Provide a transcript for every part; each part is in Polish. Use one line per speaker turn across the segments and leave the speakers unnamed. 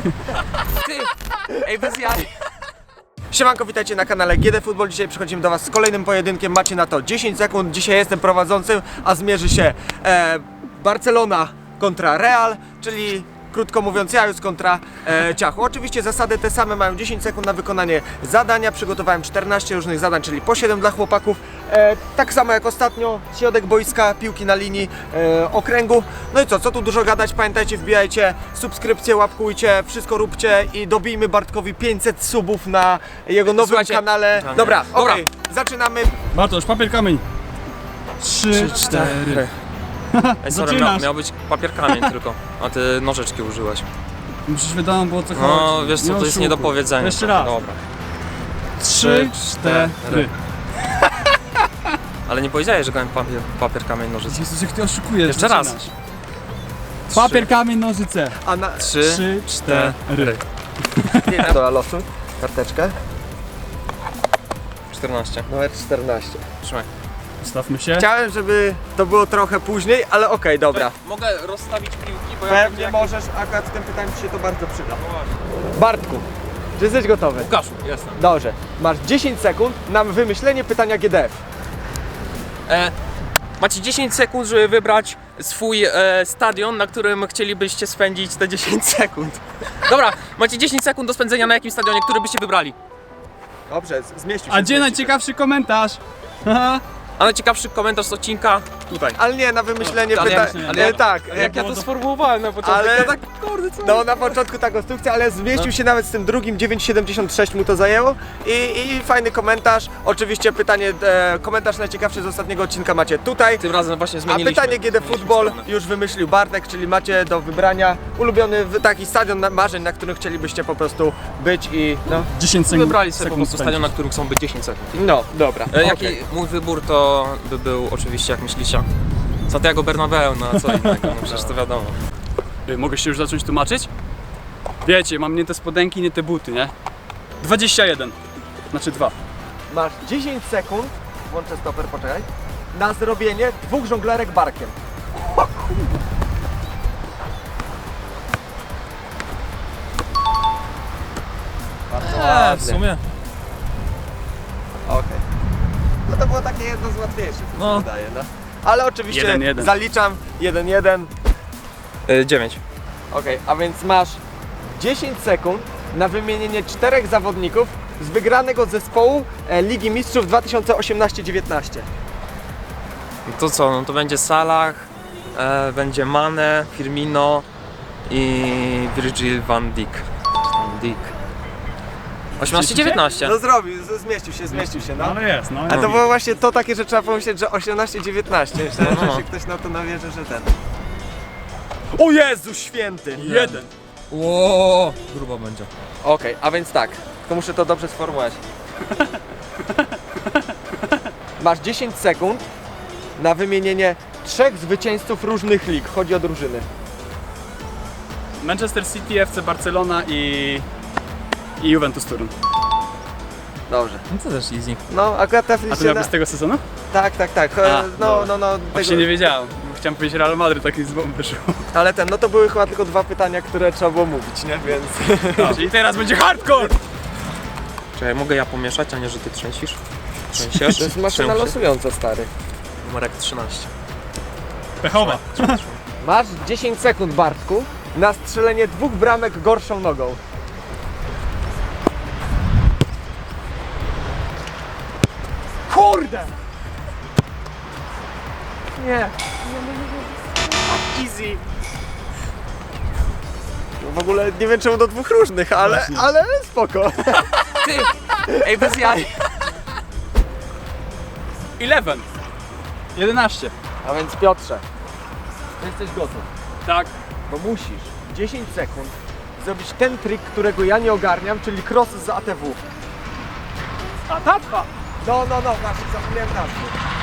Ty! Ej, bez jaj!
Siemanko, witajcie na kanale GD Football. Dzisiaj przychodzimy do was z kolejnym pojedynkiem. Macie na to 10 sekund. Dzisiaj jestem prowadzącym, a zmierzy się Barcelona kontra Real, czyli krótko mówiąc Jajus kontra Ciachu. Oczywiście zasady te same, mają 10 sekund na wykonanie zadania. Przygotowałem 14 różnych zadań, czyli po 7 dla chłopaków. Tak samo jak ostatnio, środek boiska, piłki na linii okręgu. No i co tu dużo gadać, pamiętajcie, wbijajcie subskrypcję, łapkujcie, wszystko róbcie i dobijmy Bartkowi 500 subów na jego nowym
Słuchajcie,
kanale. Dobra, okej, zaczynamy.
Bartosz, papier, kamień. 3, 4.
Ej, sorry,
Zaczynasz.
miał być papier kamień tylko, a ty nożyczki użyłeś.
Musisz wiadomo było o co chodzi.
No, wiesz co, to jest nie do powiedzenia.
Jeszcze raz.
Dobra.
3, 4.
Ale nie powiedziałeś, że grałem papier kamień, nożyce.
Jezus, jak ty oszukujesz.
Jeszcze raz.
zaczynasz. Papier, kamień, nożyce.
A na
3,
4.
do losu, karteczkę,
14.
numer 14.
Trzymaj.
Ustawmy się.
Chciałem, żeby to było trochę później, ale okej, dobra.
Mogę rozstawić piłki, bo
Pewnie możesz, akurat w tym pytaniu ci się to bardzo przyda. Bartku, czy jesteś gotowy?
Łukaszu, jestem.
Dobrze, masz 10 sekund na wymyślenie pytania GDF.
Macie 10 sekund, żeby wybrać swój stadion, na którym chcielibyście spędzić te 10 sekund. Dobra, macie 10 sekund do spędzenia na jakim stadionie, który byście wybrali.
Dobrze, zmieścił się.
A gdzie najciekawszy komentarz? Haha.
A najciekawszy komentarz z odcinka tutaj.
Ale nie, na wymyślenie
Ale
pytań.
ale jak-
Tak,
Jak ja to sformułowałem na początku,
Ale-
ja tak, kurde, co?
no na początku ta konstrukcja, ale zmieścił się nawet z tym drugim, 9,76 mu to zajęło i fajny komentarz. Oczywiście pytanie, komentarz najciekawszy z ostatniego odcinka macie tutaj.
Tym razem właśnie
A
zmieniliśmy.
pytanie GD Football już wymyślił Bartek, czyli macie do wybrania ulubiony taki stadion marzeń, na którym chcielibyście po prostu być i no.
10 sekund.
Wybrali sobie po prostu
spędzisz.
stadion, na którym chcą być 10 sekund.
No, dobra.
Jaki
okej.
mój wybór to by był oczywiście, jak myślicie, Santiago Bernabeu, no a co innego, no przecież to wiadomo.
Mogę się już zacząć tłumaczyć? Wiecie, mam nie te spodenki, nie te buty, nie? 21. Znaczy 2.
Masz 10 sekund, włączę stoper, poczekaj, na zrobienie 2 żonglerek barkiem. Bardzo ładnie.
w sumie.
Okej. No to było takie jedno z łatwiejszych, co
No.
się wydaje, no. Ale oczywiście
1-1.
zaliczam 1-1.
9.
Okej, a więc masz 10 sekund na wymienienie 4 zawodników z wygranego zespołu Ligi Mistrzów 2018-19.
To co, no to będzie Salah, będzie Mane, Firmino i Virgil van Dijk. Van Dijk. 18-19.
No zrobił, zmieścił się, no.
Ale jest, no.
A to było właśnie to takie, że trzeba pomyśleć, że 18-19. Myślałem, że
No.
się ktoś na to nawierzy, że ten. O Jezu święty!
1.
Ło, grubo będzie.
Okej, a więc tak, tylko muszę to dobrze sformułować. Masz 10 sekund na wymienienie 3 zwycięzców różnych lig. Chodzi o drużyny.
Manchester City, FC Barcelona i Juventus Turyn.
Dobrze.
No to też easy.
No, akurat
A
trafiliście
to miał
na...
być z tego sezonu?
Tak.
A,
No.
Właśnie nie wiedziałem. Chciałem powiedzieć Real Madrid, taki z bomby wyszło.
Ale no to były chyba tylko 2 pytania, które trzeba było mówić, nie? Więc...
Czyli teraz będzie hardcore!
Czekaj, mogę ja pomieszać, a nie, że ty trzęsisz?
To
Trzęsiesz?
jest maszyna
Trzęsie.
losująca, stary.
Numerek 13.
Pechowa.
Masz 10 sekund, Bartku, na strzelenie 2 bramek gorszą nogą. Kurde! Nie. Easy. No w ogóle nie wiem czemu do 2 różnych, ale spoko.
Ty! Ej, bez jaj!
11.
A więc Piotrze, ty jesteś gotów,
Tak.
bo musisz 10 sekund zrobić ten trik, którego ja nie ogarniam, czyli cross z ATW.
A tatwa!
No, właśnie, zapomniałem nazwy.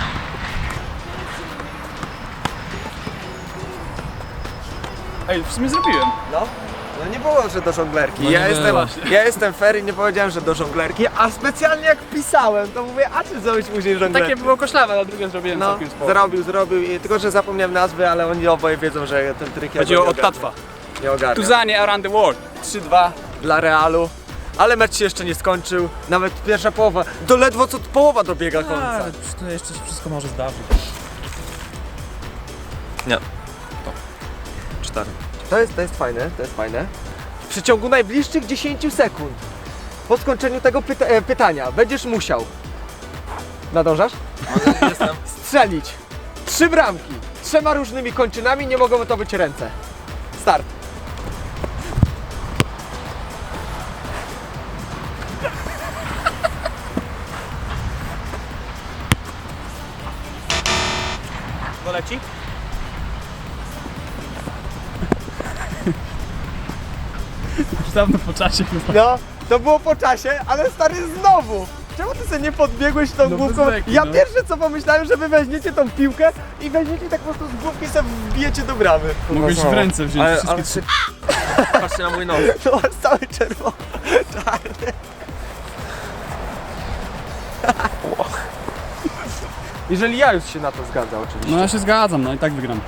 Ej, w sumie zrobiłem.
No nie było, że do żonglerki.
No nie było.
Ja jestem fair i nie powiedziałem, że do żonglerki, a specjalnie jak pisałem, to mówię, a czy zrobić później żonglerki?
Takie było koszlawe, a drugie zrobiłem
No,
całkiem spoko.
zrobił, i tylko że zapomniałem nazwy, ale oni oboje wiedzą, że ten trik ja
Chodzi
go
o
nie
od tatwa.
Nie ogarniam.
Tuzanie around the world.
3-2 dla Realu. Ale mecz się jeszcze nie skończył, nawet pierwsza połowa, to ledwo co połowa dobiega końca.
Ale to jeszcze się wszystko może zdarzyć. Nie. To. 4.
To jest fajne. W przeciągu najbliższych 10 sekund po skończeniu tego pytania będziesz musiał, nadążasz?
Jestem.
Strzelić 3 bramki, 3 różnymi kończynami, nie mogą to być ręce. Start. Doleci?
Już dawno po czasie chyba.
No, to było po czasie, ale stary znowu! Czemu ty sobie nie podbiegłeś tą
No
główką?
bez beki,
Ja
no.
pierwsze co pomyślałem, że wy weźmiecie tą piłkę i weźmiecie tak po prostu z główki sobie wbijecie do bramy.
Mogłeś w ręce wziąć
Ale
wszystkie
patrzcie na mój nos.
No, masz cały czerwony, czarny. Jeżeli ja już się na to zgadzam oczywiście.
No ja się zgadzam, no i tak wygram.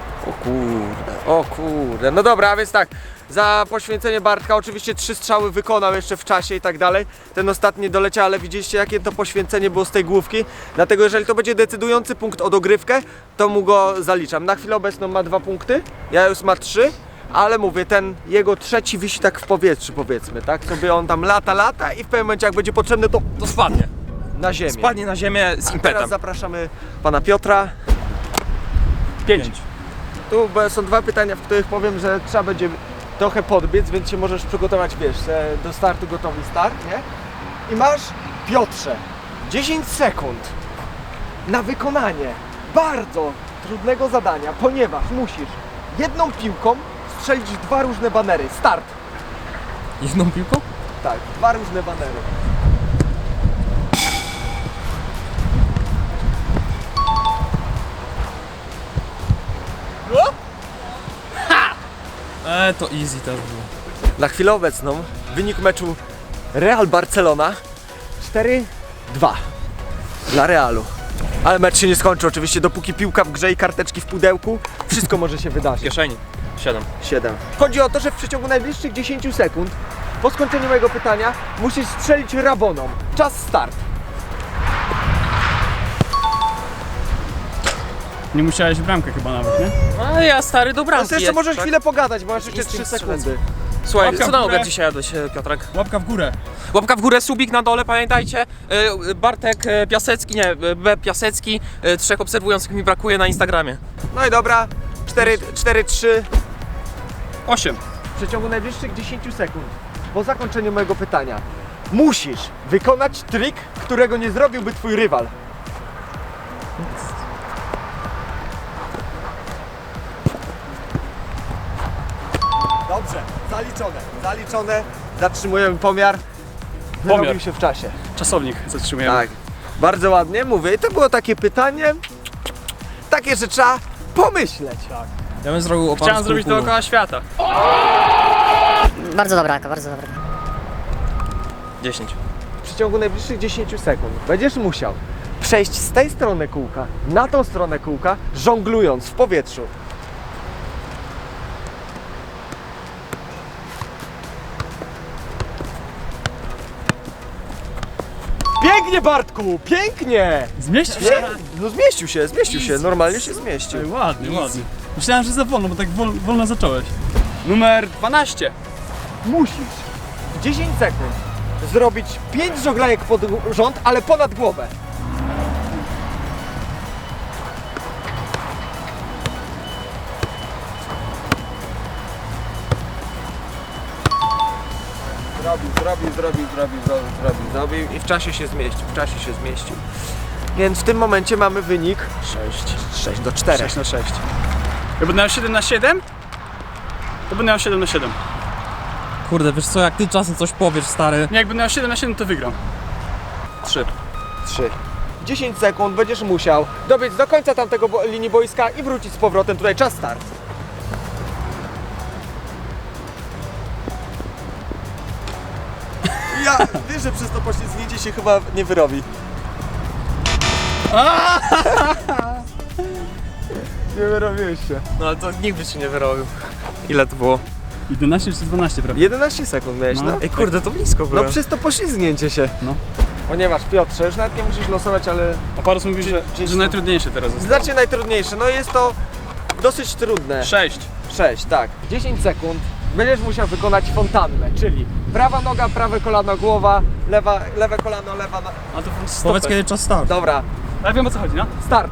O kurde, no dobra, a więc tak, za poświęcenie Bartka oczywiście 3 strzały wykonał jeszcze w czasie i tak dalej. Ten ostatni doleciał, ale widzieliście jakie to poświęcenie było z tej główki. Dlatego jeżeli to będzie decydujący punkt o dogrywkę, to mu go zaliczam. Na chwilę obecną ma 2 punkty, ja już ma 3. Ale mówię, ten jego trzeci wisi tak w powietrzu powiedzmy, tak? Sobie on tam lata i w pewnym momencie jak będzie potrzebny to
To spadnie.
na ziemię.
Spadnie na ziemię z
Teraz
impetem.
zapraszamy pana Piotra.
5.
Tu są 2 pytania, w których powiem, że trzeba będzie trochę podbiec, więc się możesz przygotować, wiesz, do startu gotowy start, nie? I masz, Piotrze, 10 sekund na wykonanie bardzo trudnego zadania, ponieważ musisz jedną piłką strzelić 2 różne banery. Start!
Jedną piłką?
Tak, 2 różne banery.
To easy też było.
Na chwilę obecną wynik meczu Real Barcelona 4-2 dla Realu. Ale mecz się nie skończy oczywiście, dopóki piłka w grze i karteczki w pudełku, wszystko może się
W
wydarzyć.
kieszeni. 7.
7. Chodzi o to, że w przeciągu najbliższych 10 sekund po skończeniu mojego pytania musisz strzelić raboną. Czas start.
Nie musiałeś w bramkę chyba nawet, nie?
A ja stary do bramki.
Jeszcze
jest,
możesz
tak?
chwilę pogadać, bo masz jeszcze 3
Instynkt
sekundy.
Słuchaj,
Łapka
co
w
na
górę.
obiad dzisiaj jadłeś, Piotrek?
Łapka w górę.
Łapka w górę, subik na dole, pamiętajcie. Bartek Piasecki, nie, B Piasecki. 3 obserwujących mi brakuje na Instagramie.
No i dobra, 4-3
8.
w przeciągu najbliższych 10 sekund po zakończeniu mojego pytania musisz wykonać trik, którego nie zrobiłby twój rywal. Dobrze, zaliczone, zatrzymujemy pomiar. Wyrobił się w czasie.
Czasownik zatrzymujemy.
Tak, bardzo ładnie mówię. I to było takie pytanie, takie, że trzeba pomyśleć.
Ja bym zrobił oparł
Chciałem zrobić dookoła świata.
Bardzo dobra, bardzo dobra.
10.
W przeciągu najbliższych 10 sekund będziesz musiał przejść z tej strony kółka na tą stronę kółka, żonglując w powietrzu. Pięknie, Bartku, pięknie!
Zmieścił się?
No zmieścił się, normalnie się zmieścił.
Ej, ładnie, ładnie. Myślałem, że za wolno, bo tak wolno zacząłeś. Numer 12.
Musisz w 10 sekund zrobić 5 żoglajek pod rząd, ale ponad głowę. Zrobił i w czasie się zmieścił, Więc w tym momencie mamy wynik 6 do 4.
6 na 6. Ja będę miał 7 na 7? To będę miał 7 na 7.
Kurde, wiesz co, jak ty czasem coś powiesz, stary.
Nie, jak będę miał 7 na 7, to wygram.
3.
3. 10 sekund będziesz musiał dobiec do końca tamtego linii boiska i wrócić z powrotem tutaj. Czas start. Ja wiesz, że przez to poślizgnięcie się chyba nie wyrobi. Nie wyrobiłeś się.
No ale to nikt by się nie wyrobił. Ile to było?
11 czy 12, prawda?
11 sekund miałeś, no.
Ej kurde, to blisko było.
No przez to poślizgnięcie się.
No.
Ponieważ Piotrze, już nawet nie musisz losować, ale
A Paros mówi, że najtrudniejsze teraz jest.
znacznie najtrudniejsze. No jest to dosyć trudne.
6.
6, tak. 10 sekund. Będziesz musiał wykonać fontannę, czyli prawa noga, prawe kolano, głowa, lewe kolano, lewa noga.
A to stopę.
Powiedz kiedy czas start.
Dobra,
Ale wiem o co chodzi, no?
start.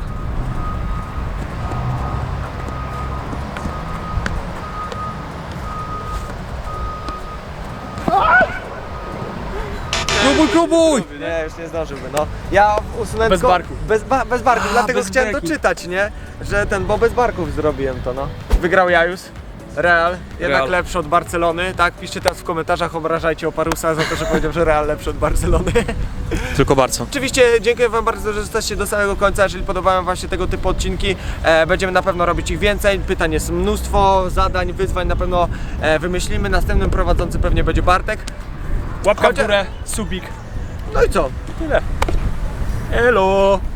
Próbuj!
Nie, już nie zdążyłby, no. Ja usunąłem
Bez
tylko-
barków.
Bez barków, dlatego
bez
chciałem
breki.
doczytać, nie? Że bo bez barków zrobiłem to, no. Wygrał Jajus. Real, jednak
Real.
lepszy od Barcelony, tak? Piszcie teraz w komentarzach, obrażajcie Oparusa za to, że powiedział, że Real lepszy od Barcelony.
Tylko bardzo.
Oczywiście dziękuję wam bardzo, że zostaliście do samego końca, jeżeli podobają wam się tego typu odcinki, będziemy na pewno robić ich więcej, pytań jest mnóstwo, zadań, wyzwań na pewno wymyślimy, następnym prowadzący pewnie będzie Bartek.
Łapka w
Chociaż-
górę, subik.
No i co?
Tyle. Elo!